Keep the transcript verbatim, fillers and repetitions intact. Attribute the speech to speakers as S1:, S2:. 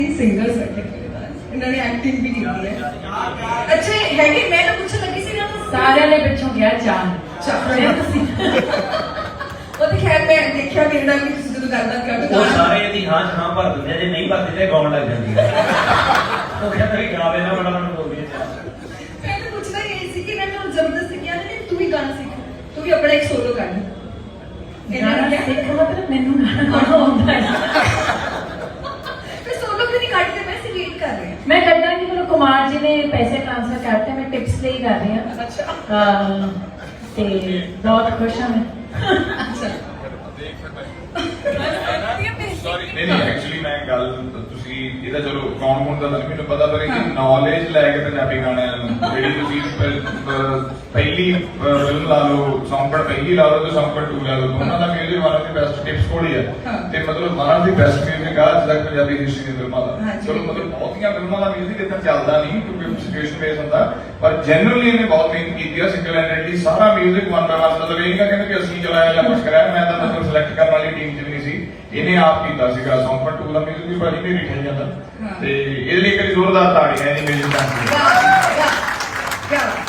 S1: Singer certificate ਇਹਨਾਂ ਨੇ acting ਵੀ ਕੀਤੀ ਹੈ। ਅੱਛਾ ਹੈਗੀ, ਮੈਂ ਤਾਂ ਪੁੱਛਣ ਲੱਗੀ ਸੀ ਨਾ
S2: ਸਾਰਿਆਂ ਨੇ ਪਿੱਛੋਂ ਗਿਆ ਚਾਹ
S1: ਚਾਹ ਤੁਸੀਂ ਉਹ ਤੇ ਖੈਰ ਮੈਂ ਦੇਖਿਆ ਮੇਰੇ ਨਾਲ ਵੀ ਤੁਸੀਂ ਜਦੋਂ ਗੱਲਬਾਤ ਕਰਦੇ
S3: ਉਹ ਸਾਰੇ ਇਹਦੀ ਹਾਂ ਚ ਹਾਂ ਭਰ ਦਿੰਦੇ ਆ, ਜੇ ਨਹੀਂ ਭਰਦੇ ਤੇ ਗਾਉਣ ਲੱਗ ਜਾਂਦੀ ਹੈ। ਉਹ ਕਹਿੰਦਾ ਵੀ ਗਾਵੇ ਨਾ ਬੜਾ ਮੈਨੂੰ ਬੋਲਦੀ ਹੈ।
S1: ਮੈਂ ਤਾਂ ਪੁੱਛਣਾ ਇਹ ਸੀ ਕਿ ਇਹਨਾਂ ਨੂੰ ਜ਼ਬਰਦਸਤੀ ਕਿਹਾ ਨਹੀਂ ਤੂੰ ਵੀ ਗਾਣਾ ਸਿੱਖ, ਤੂੰ ਵੀ ਆਪਣਾ ਇੱਕ ਸੋਲੋ ਕਰ ਇਹਨਾਂ ਨੇ ਕਿਹਾ
S2: ਸਿੱਖ ਮਤਲਬ ਮੈਨੂੰ ਗਾਣਾ ਆਉਂਦਾ ਹੈ।
S1: ਤੇ ਸੋਲੋ ਕਿਉਂ ਨਹੀਂ ਕੱਢਦੇ? ਮੈਂ ਸੀ ਵੇਟ ਕਰ ਰਹੀ ਹਾਂ।
S2: ਮੈਂ ਕੱਢਾਂਗੀ, ਮੈਨੂੰ ਕੁਮਾਰ ਜੀ ਨੇ ਪੈਸੇ ਟ੍ਰਾਂਸਫਰ ਕਰਤੇ, ਮੈਂ ਟਿਪਸ ਲਈ ਕਰ ਰਹੀ ਹਾਂ।
S1: ਅੱਛਾ
S2: ਹਾਂ ਤੇ ਬਹੁਤ ਖੁਸ਼ ਹਾਂ ਮੈਂ।
S1: ਅੱਛਾ
S4: ਨਹੀਂ ਨਹੀਂ ਐਕਚੁਅਲੀ ਮੈਂ ਗੱਲ ਤੁਸੀਂ ਇਹਦਾ ਚਲੋ ਕੌਣ ਕੌਣ ਦਾ ਤਾਂ ਮੈਨੂੰ ਪਤਾ, ਪਰ ਇਹ ਨੌਲੇਜ ਲੈ ਕੇ ਪੰਜਾਬੀ ਗਾਣਿਆਂ ਨੂੰ ਜਿਹੜੀ ਤੁਸੀਂ ਪਹਿਲੀ ਫਿਲਮ ਲਾ ਲਓ, ਸੌਂਕੜ ਪਹਿਲੀ ਲਾ ਲਓ ਤੇ ਸੌਂਕੜ ਟੂ ਲਾ ਲਓ, ਦੋਨਾਂ ਦਾ music one of the best Tips ਕੋਲ ਹੀ ਹੈ ਤੇ ਮਤਲਬ one of the best music ਆ ਅੱਜ ਤੱਕ ਪੰਜਾਬੀ ਹਿਸਟਰੀ ਦੀ ਫਿਲਮਾਂ ਦਾ। ਚਲੋ ਮਤਲਬ ਬਹੁਤੀਆਂ ਫਿਲਮਾਂ ਦਾ ਮਿਊਜ਼ਿਕ ਇਦਾਂ ਚੱਲਦਾ ਨਹੀਂ ਕਿਉਂਕਿ ਸਿਚੁਏਸ਼ਨ ਬੇਸ ਹੁੰਦਾ, ਪਰ ਜਨਰਲੀ ਇਹਨੇ ਬਹੁਤ ਮਿਹਨਤ ਕੀਤੀ ਆ ਸਿੰਗਲ ਹੈਂਡਡਲੀ ਸਾਰਾ ਮਿਊਜ਼ਿਕ ਵਨ ਬਾਈ ਵਨ। ਮਤਲਬ ਇਹ ਨਹੀਂ ਕਹਿੰਦੇ ਕਿ ਅਸੀਂ ਚਲਾਇਆ ਜਾਂ ਕੁਝ ਕਰਾਇਆ, ਮੈਂ ਤਾਂ ਮਤਲਬ ਸਿਲੈਕਟ ਕਰਨ ਵਾਲੀ ਟੀਮ ਚ ਵੀ ਨਹੀਂ ਸੀ, ਇਹਨੇ ਆਪ ਕੀਤਾ ਸੀਗਾ। ਸੌਂਕੜ ਟੂ ਦਾ ਮਿਊਜ਼ਿਕ ਵੀ ਬੜੀ ਮੇਰੀ ਠਾਈ ਜਾਂਦਾ ਤੇ ਇਹਦੇ ਲਈ ਇੱਕ ਜ਼ੋਰਦਾਰ ਤਾੜੀਆਂ ਇਹਦੀ ਮਿਊਜ਼ਿਕ ਦਾ।